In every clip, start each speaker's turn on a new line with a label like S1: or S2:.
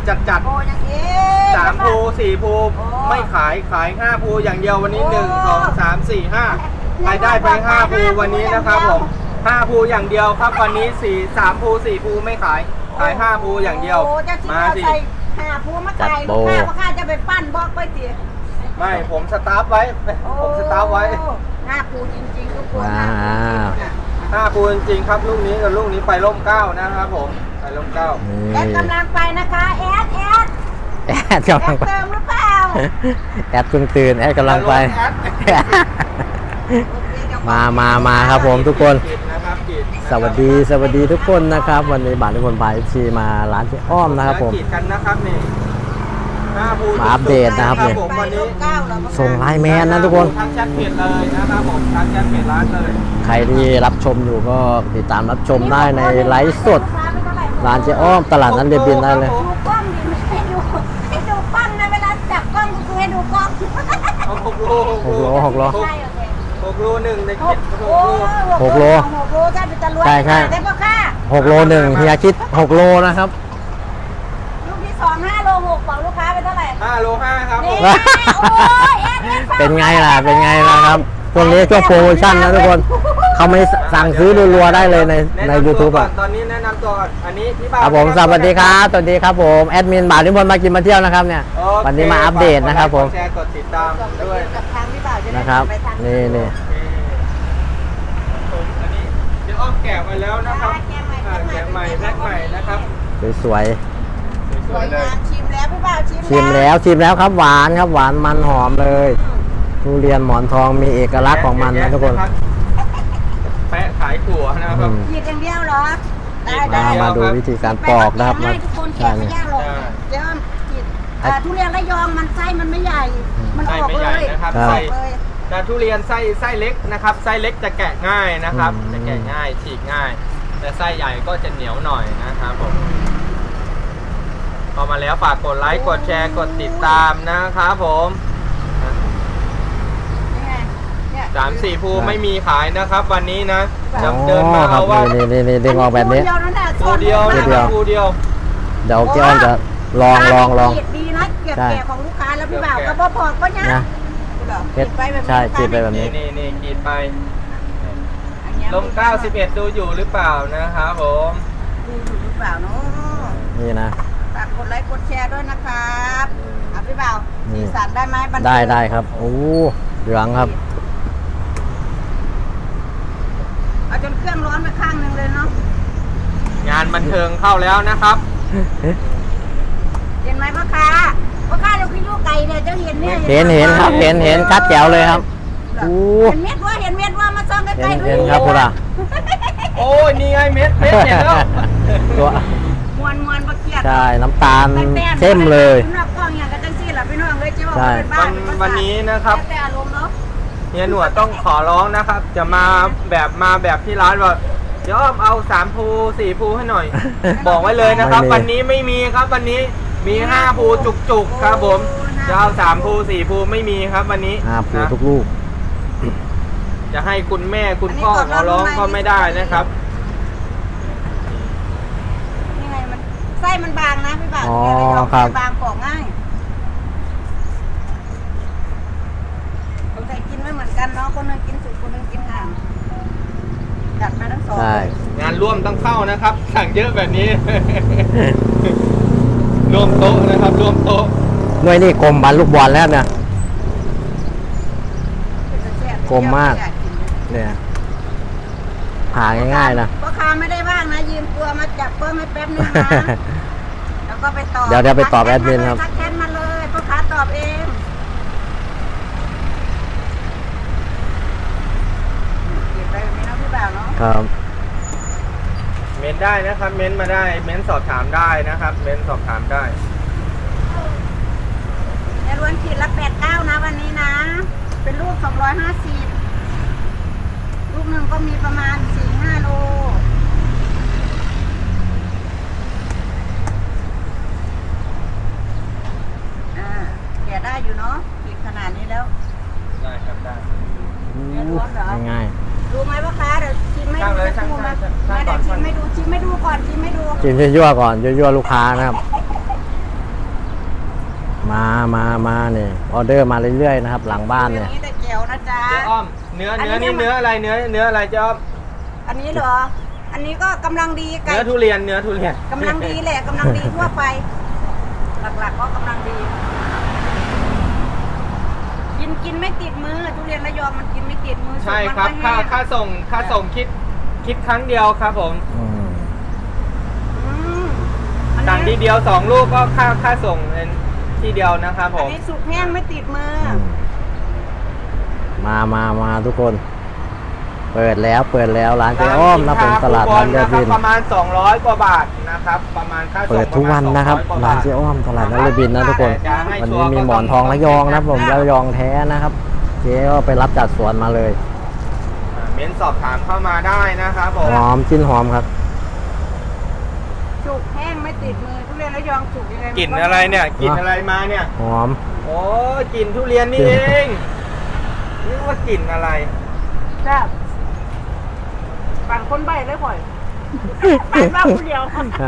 S1: จัด
S2: โอ้ยังเอ๊ะ
S1: 3 ภู4 ภูไม่ขาย5 ภูอย่างเดียววันนี้1 2 3 4 5ใครได้ไป5 ภูวันนี้นะครับผม5 ภูอย่างเดียวครับวันนี้3 ภู4 ภูไม่ขาย5 ภูอย่างเดียวมาสิ
S2: 5 ภูมาขายลูกค้าว่าข้าจะไปปั้นบอกไปสิ
S1: ไม่ผมสตาร์ฟไว้ผมสตาร์ฟไว้
S2: 5 ภูจริงๆทุกคน
S3: ว้าว
S1: 5 ภูจริงๆครับลูกนี้กับลูกนี้ไปร่ม9นะครับผมไปร่ม9
S2: แอดกำลังไปนะคะแอด
S3: แอดกำลังไป
S2: เติมหรือเปล่า
S3: แอดเพิ่งตื่นแอดกำลังไป มาครับผมทุกคน สวัสดีทุกคนนะครับ วันนี้บาททุกคนพาชีมาร้านเจ๊อ้อมนะครับผมมาอัปเดตนะครับเนี่ยส่งไลน์แมนนะทุกคน
S1: ทักแชทเพจเลยนะครับผมทักแชทเพจร้านเลย
S3: ใครที่รับชมอยู่ก็ติดตามรับชมได้ในไลฟ์สดร้านเจ๊อ้อมตลาดนัดเรียบดินได้เลย
S2: ดูกล้องดิให้ดูกล้องนะเวลาจับกล้องก็คือให้ดูกล้อง
S3: 6 โล
S2: ใช่โอเค
S1: 6 โล1ในคิด
S3: 6 โล
S2: 6 โลใช่เป็นตะลวย
S3: ใช่
S2: ได้ปะค่ะ
S3: 6 โล1เฮียคิด6 โลนะครับ
S2: ลูกที่2 5 โล 6บอกลูกค้าไปเท่าไหร่
S1: 5 โล 5ครับผม
S2: นี่โอ้ยแอด
S3: เป็นไงล่ะครับช่วงนี้ช่วงโปรโมชั่นนะทุกคนเขาไม่สั่งซื้อรัวๆได้เลยใน YouTube อ่ะ
S1: ตอนนี้แนะนำตัวก่อนอันนี้พี่บ่าว
S3: ครับผมสวัสดีครับผมแอดมินบ่าวนิพนธ์มากินมาเที่ยวนะครับเนี่ยวันนี้มาอัปเดตนะครับผม
S1: แชร์กดติดตามด้วย
S2: กับทางพี่บ่าวจะได้
S3: นะครับ
S2: ไปทาง
S3: นี่
S1: อันนี้เดี๋ยวอ้อมแกะมาแล้วนะครับแกะใหม่แพ็คใหม่นะครับ
S3: สวย
S2: สวยงามชิมแล้วพี่บ่าว
S3: ๆชิมแล้วครับหวานครับหวานมันหอมเลยทุเรียนหมอนทองมีเอกลักษณ์ของมันนะทุกคน
S1: แปะขายถั่วนะครับ
S2: ขีดอย่างเดียวเหรอได้
S3: มาดูวิธีการปอกนะครับ
S2: ให้ทุกคนแกะไม่ยากหรอกเดี๋ยวขีดทุเรียนระยองมันไส้มันไม่ใหญ่ มันออก
S1: ไม่
S2: เล
S1: ใหญ่
S2: ย
S1: นะครับ
S2: อ
S1: ไส้
S2: อกเลย
S1: แต่ทุเรียนไส้เล็กนะครับไส้เล็กจะแกะง่ายนะครับจะแกะง่ายฉีกง่าย แต่ไส้ใหญ่ก็จะเหนียวหน่อยนะครับผมพอมาแล้วฝากกดไลค์กดแชร์กดติดตามนะครับผม
S2: นี่ไงเนี่ย
S1: 3-4 ภูไม่มีขายนะครับวันนี้นะเดินมา
S3: ครั
S1: เอาว่า
S3: นี่ดึงออกแบบนี้
S1: ภูเดียวนะครับภูเดียว
S3: เดี๋ยวเจ๊อ้อมจะลอง
S2: ขีดดีนะเก็บแกะของลูกค้าแล้วพี่บ่าวก็พอก็เนี่ย
S3: นะ
S2: ขีดไปแบบนี้
S3: ใช่ขีดไปแบบนี้
S1: นี่ขีดไป
S2: อันเนี้ย
S1: ลม91ดูอยู่หรือเปล่านะครับผม
S2: ดูอยู่หรือเปล่าเนาะ
S3: นี่นะ
S2: ฝากกดไลค์กดแชร์ด้วยนะครับพี่บ่าว
S3: นี่
S2: สีสันได้ไหมบันเทิง
S3: ได้ครับโอ้เหลืองครับ
S2: เอาจนเครื่องร้อนไปข้างหนึ่งเลยเนาะ
S1: งานบันเทิงเข้าแล้วนะครับ
S2: เห็นไหมพ่อค้าเราคือลูกไก่เนี่ยเจ้าเห็นเนี่ย
S3: เห็นครับเห็นชัดแจ๋วเลยครับโอ้
S2: เห็นเม็ดว่ามาซ่อมใกล้ๆ
S3: เห็นครับพุทธะ
S1: โอ้ยนี่ไงเม็ดเห็นแล้ว
S3: ตัว
S2: มวนประเกียด
S3: ใช่น้ำตาลเข้มเลย
S2: นอกกล้องอย่างกันจังซี่ล่ะพี่น้องเลยจะบอก
S3: ใช่
S2: เป็นบ้าน
S1: วันนี้นะครับ
S2: แต่อารมณ์เนาะ
S1: เฮียหนวดต้องขอร้องนะครับ จะมาแบบที่ร้านว่าเดี๋ยวเอา3 ภู4 ภูให้หน่อย บอกไว้เลยนะครับ วันนี้ไม่มีครับวันนี้มี5 ภูจุกๆครับผมจะเอา3 ภู4 ภูไม่มีครับวันนี้
S3: ผู
S1: นะ
S3: ทุกลูก
S1: จะให้คุณแม่คุณพ่อขอร้องก็ไม่ได้นะครับ
S2: นี่ไงมันไส้มันบางนะพี่บ่าว
S3: อ๋อ
S2: เนี่ยระยอง
S3: ครับ
S2: บางปอกง่ายคนไทยกินไม่เหมือนกันเนาะคนนึงกินสุกคนนึงกินห่างจัดมาทั้งสอง
S3: ใช่
S1: งานร่วมต้องเข้านะครับ สั่งเยอะแบบนี้ ร่วมโต๊ะนะครับร่วมโต๊ะ
S3: หน่วยนี่กลมบันลูกบอลแล้วเนี่ย กลมมาก เนี่ยผ่าง่ายๆนะ
S2: พ่อค้าไม่ได้ว่างนะยืมตัวมาจับเพิ่มให้แป๊บนึงนะแล้วก็ไปตอบ
S3: เดี๋ยวไปตอบแอดมินครับ
S2: ทักแชทมาเลยพ่อค้าตอบเองเก็บไปแบบนี้นะพี่บ่าวเนาะ
S3: ครับ
S1: เม้นได้นะครับ เม้นมาได้ เม้นสอบถามได้นะครับ เม้นสอบถามได้
S2: ในล้วนขีดละ89นะวันนี้นะ เป็นลูก250ลูกหนึ่งก็มีประมาณ 4-5 โลแกะได้อยู่เนาะขีดขนาดนี้แล้ว
S1: ได้ครับได้
S3: ง่าย
S2: ดูไหมพ่อค้าเดี๋ยวชิมไม่
S1: ช่าง
S2: ดู
S1: เลย
S2: สักครู่นะ
S1: ช่าง
S2: ไม่
S1: ก่
S2: ได้
S1: อน
S2: ชิมไม่ดูก่อนชิมไม่ดู
S3: ๆชิมยั่วๆก่อนยั่วๆลูกค้านะครับมาเนี่ยออเดอร์มาเรื่อยๆนะครับ หลังบ้านเนี่ย
S2: อันนี้แต่แจ๋วนะจ๊ะ
S1: เจ๊อ้อมเนื้อนี่เนื้ออะไรเนื้ออะไรเจ๊อ้อม
S2: อันนี้เหรอ อันนี้ก็กำลังดีไก่
S1: เนื้อทุเรียน
S2: กำลังดีแหละกำลังดีทั่วไป หลักๆก็กำลังดี กินไม่ติดมือทุเรียนระยองมันกินไม่ติดมือ
S1: ใช่ครับ
S2: สุกมันก็แห้ง
S1: ค่าส่งคิดครั้งเดียวครับผม
S3: อืม
S2: อืมอัน
S1: สั่งที
S2: นี้
S1: เดียว2 ลูกก็ค่าส่งเป็นทีเดียวนะครับผ
S2: อัน
S1: ม
S2: นี้สุกแห้งไม่ติดมือ
S3: มาทุกคน เปิดแล้วร้านเจ๊อ้อมนะผมตลาดนัดเรือบิน
S1: ประมาณ200 กว่าบาทนะครับ ประมาณค่าส่ง
S3: เปิดทุกวันนะครับ
S1: ปมณ
S3: ร้าน
S1: 200
S3: เจ๊อ้อมตลาดนัดเรือบินนะทุกคน วันนี้มีหมอนทองระยองนะครับผมระยองแท้นะครับ เจ๊ก็ไปรับจากสวนมาเลย
S1: เม้นสอบถามเข้ามาได้นะครับผม
S3: หอมจิ้นหอมครับ
S2: สุกแห้งไม่ติดมือทุเรียนระยองสุกยังไง
S1: กลิ่นอะไรเนี่ยกลิ่นอะไรมาเนี่ย
S3: หอม
S1: โอ้กลิ่นทุเรียนนี่เองนี่ว่ากลิ่นอะไร
S2: แซ่บปั่นคนใบเลยข่อยปั่นบ้าผู้เดียว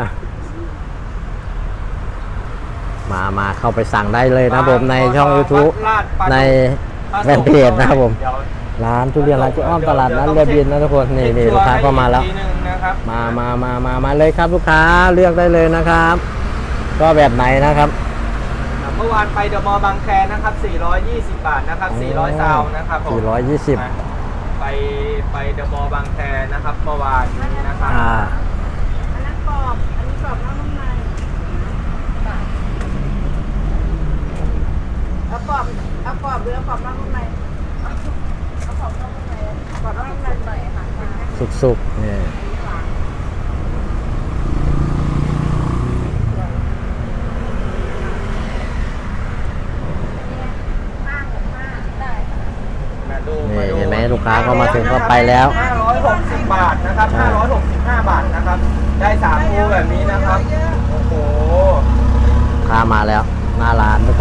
S3: มาเข้าไปสั่งได้เลยนะผมในช่อง YouTube
S1: ลาดปลาดุก
S3: ในแฟนเพจนะครับผม
S1: เดี๋ยว
S3: ร้านทุเรียนร้านเจ๊อ้อมตลาดนัดเรือบินนะทุกคนนี่ลูกค้าก็มาแล้ว
S1: อีกทีหนึ่งนะครับ
S3: มาเลยครับลูกค้าเลือกได้เลยนะครับ ก็แบบไหนนะครับ
S1: เมื่อวานไปเดอะมอลล์บางแคนะครับ420 บาทนะครับ400 ซาวน์นะครับผม
S3: 420
S1: ไปเดอะมอลล์บางแคนะครับเมื่อวานนี้นะครับ
S2: อันนั้นกรอบ อันนี้กรอบนอกนุ่มในเอากรอบหรือเอากรอบนอกนุ่มในเอากรอบนอกนุ่มในกรอบนอกนุ่มในหน่อยค่ะ
S3: สุกๆนี่
S1: มาดู
S3: นี่เห็นไหมลูกค้าก็มาถึงก็ไปแล้ว
S1: 560 บาทนะครับ565 บาทนะครับ ได้3คู่แบบนี้นะครับ โอ้โห
S3: ลูกค้ามาแล้วหน้าร้านทุกคน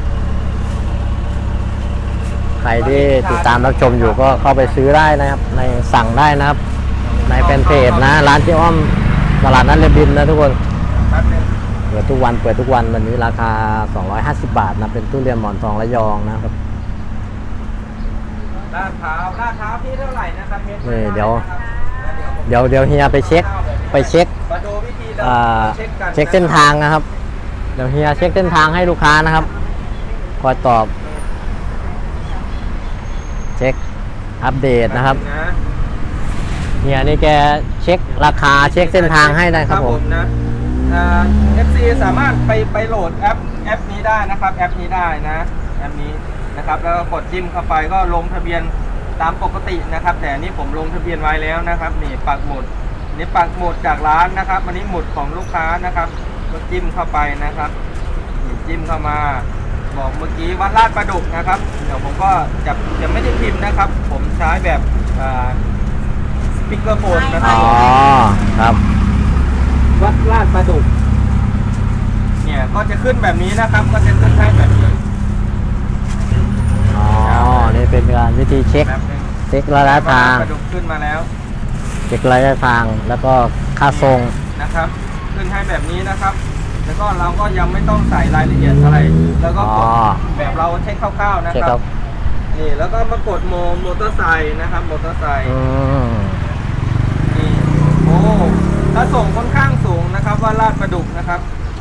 S3: ใครที่ติดตามรับชมอยู่ก็เข้าไปซื้อได้นะครับ ในสั่งได้นะครับ ในแฟนเพจนะร้านเจ๊อ้อมตลาดนัดเรือบินนะทุกคน
S1: แป๊บนึง
S3: เปิดทุกวันวันนี้ราคา 250 บาทนะเป็นทุเรียนหมอนทองระยองนะครับ
S1: ลาดพร้าวพี่เท่าไหร่นะครับเมตร
S3: นี่เดี๋ยว
S1: นะครับ
S3: เดี๋ยวเฮียไปเช็ค
S1: มาดูวิธีเรา
S3: อ่า
S1: เช็คกัน
S3: เช็คเส้นทางนะครับ เดี๋ยวเฮียเช็คเส้นทางให้ลูกค้านะครับคอยตอบ เช็คอัปเดตนะครับ
S1: นะ
S3: เฮียนี่แกเช็คราคาเช็คเส้นทางให้ได้ครับผม
S1: นะFC สามารถไปโหลดแอปนี้ได้นะครับแอปนี้ได้นะแอปนี้นะครับแล้วก็กดจิ้มเข้าไปก็ลงทะเบียนตามปกตินะครับ แต่อันนี้ผมลงทะเบียนไว้แล้วนะครับนี่ปักหมุดนี่ปักหมุดจากร้านนะครับอันนี้หมุดของลูกค้านะครับก็จิ้มเข้าไปนะครับนี่จิ้มเข้ามาบอกเมื่อกี้วัดลาดประดุกนะครับเดี๋ยวผมก็จะไม่ได้พิมพ์นะครับ ผมใช้แบบสปีกเกอร์โฟนนะครั
S3: อ๋
S1: บ
S3: อครับ
S1: วัดลาดประดุกเนี่ยก็จะขึ้นแบบนี้นะครับ ก็จะขึ้นให้แบบนี้
S3: อ๋อนี่เป็นการวิธีเช็ค
S1: แบบนึง
S3: เช็คระยะทาง
S1: ประดุกขึ้นมาแล้ว
S3: เช็คระยะทางแล้วก็ค่าทรง
S1: นะครับ ขึ้นให้แบบนี้นะครับ แล้วก็เราก็ยังไม่ต้องใส่รายละเอียดอะไร แล้วก็กดแบบเราเช็คคร่าวๆนะ
S3: เช็ค
S1: ค
S3: ค
S1: รั
S3: รั
S1: บบ นี่แล้วก็มากดมอเตอร์ไซค์นะครับมอเตอร์ไซค์
S3: อืม
S1: นี่โอ้ถ้าส่งค่อนข้างสูงนะครับว่าลาดประดุกนะครับ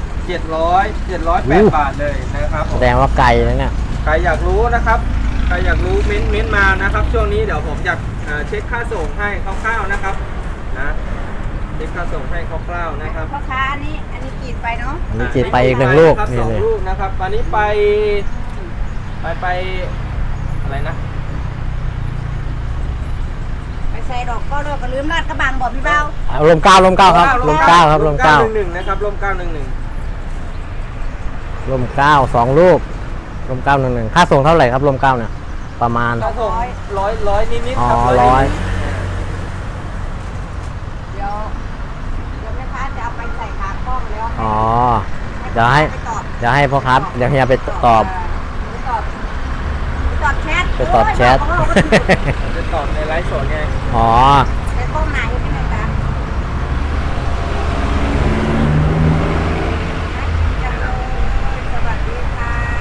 S1: 708 บาทเลยนะครับผ
S3: แส
S1: ม
S3: ดงว่าไกลนะเนี่ย
S1: ใครอยากรู้นะครับ ใครอยากรู้เม้นมานะครับ ช่วงนี้เดี๋ยวผมจะเช็คค่าส่งให้คร่าวๆนะครับนะเช็คค่าส่งให้คร่าวๆนะครับ
S2: พ่อค้าอันนี้กรีดไปเนาะ
S3: อันนี้จีบไปอีกหนึ่งลูก
S1: ครับ
S3: นี่
S1: สอง
S3: เลย
S1: ลูกนะครับอันนี้ไปอะไรนะ
S2: ไปใส่ดอกก็เลิกก็ลืมลาดกระบังบอกพี่เบ้า
S3: ลมเก้าครับลมเก้าครับลมเก้า
S1: 911นะครับลม911
S3: ลมเก้า2 ลูกลม911ค่าส่งเท่าไหร่ครับลมเก้าเนี่ยประมาณ
S1: ถ้าส่งร้อยนิดๆครับ
S3: อ๋อ
S1: 100
S3: 100
S2: เดี๋ยวแม่ค้าจะเอาไปใส่ขากล้องแล้ว
S3: อ๋อ เดี๋ยวให้
S2: ไปตอบ
S3: เดี๋ยวให้พ่อครับเดี๋ยวเฮียไปตอบ
S2: ไปตอบแชท
S3: ไปตอบแชท
S2: โอ้ยบอกเขา
S1: จะตอบในไลฟ์สดไง
S3: อ๋อ
S2: ไปกล้องไหนเป็นไงจ๊ะจังเลยสวัสดีค่ะ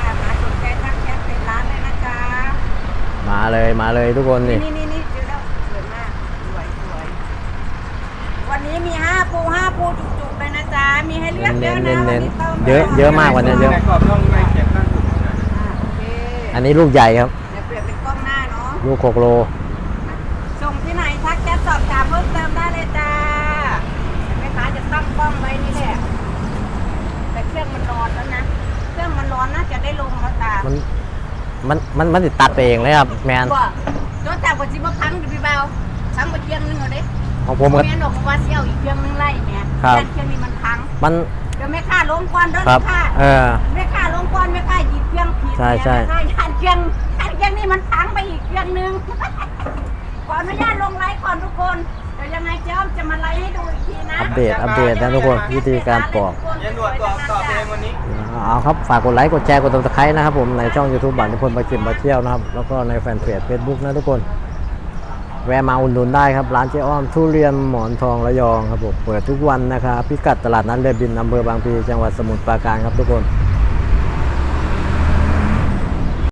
S3: เลยทุกคนนี่
S2: นี่เจอแล้วสวยมากสวยวันนี้มี5 ภูจุกๆเลยนะจ๊ะมีให้เลือกเยอะนะวันนี้ต้ม
S3: เยอะมากวันนี้เยอะ
S1: ในกรอบต้องไปเก็บข้างสุดนะ
S2: โอเค
S3: อันนี้ลูกใหญ่ครับ
S2: เดี๋ยวเปลี่ยนเป็นกล้องหน้าเนาะ
S3: ลูก6 โล
S2: ส่งที่ไหนทักแชทสอบถามเพิ่มเติมได้เลยจ้าแม่ค้าจะตั้งกล้องไว้นี่แหละแต่เครื่องมันร้อนแล้วนะเครื่องมันร้อนน่าจะได้ลงแล้วตา
S3: มันติดตัดไปเองเลยครับแมน
S2: บ่โดนจับกว่าจิบพังอยู่พี่เบาพังไปเพียงนึงเอาดิ
S3: ของผมก็
S2: แม่นบอกว่าเสี่ยวอีกเพียงนึงไล่แม่
S3: ครับ
S2: เครื่องนี้มันพัง
S3: มัน
S2: เดี๋ยวแม่ค้าลงก่อนเด้อ
S3: ครับ
S2: แม่ค้า แม่ค้าลงก่อนแม่ค้าหยิบเครื่องผิด
S3: ใช่
S2: แม่ค้าหันเครื่องนี่มันพังไปอีกเครื่องนึง ขออนุญาตลงไลฟ์ก่อนทุกคนเดี๋ยวยังไงเจ้าจะมาไลฟ์ให้ดูอีกทีนะ
S3: อัปเดตนะทุกคนวิธีการปอก
S1: ยันหนวดตอบเองวันนี้
S3: เอาครับฝากกดไลค์กดแชร์กดติดตามนะครับผมในช่อง YouTube บัตรนิพนธ์มากินมาเที่ยวนะครับแล้วก็ในแฟนเพจ Facebook นะทุกคนแวะมาอุดหนุนได้ครับร้านเจ๊อ้อมทุเรียนหมอนทองระยองครับผมเปิดทุกวันนะครับพิกัดตลาดนัดเรือบินอำเภอบางพลีจังหวัดสมุทรปราการครับทุกคน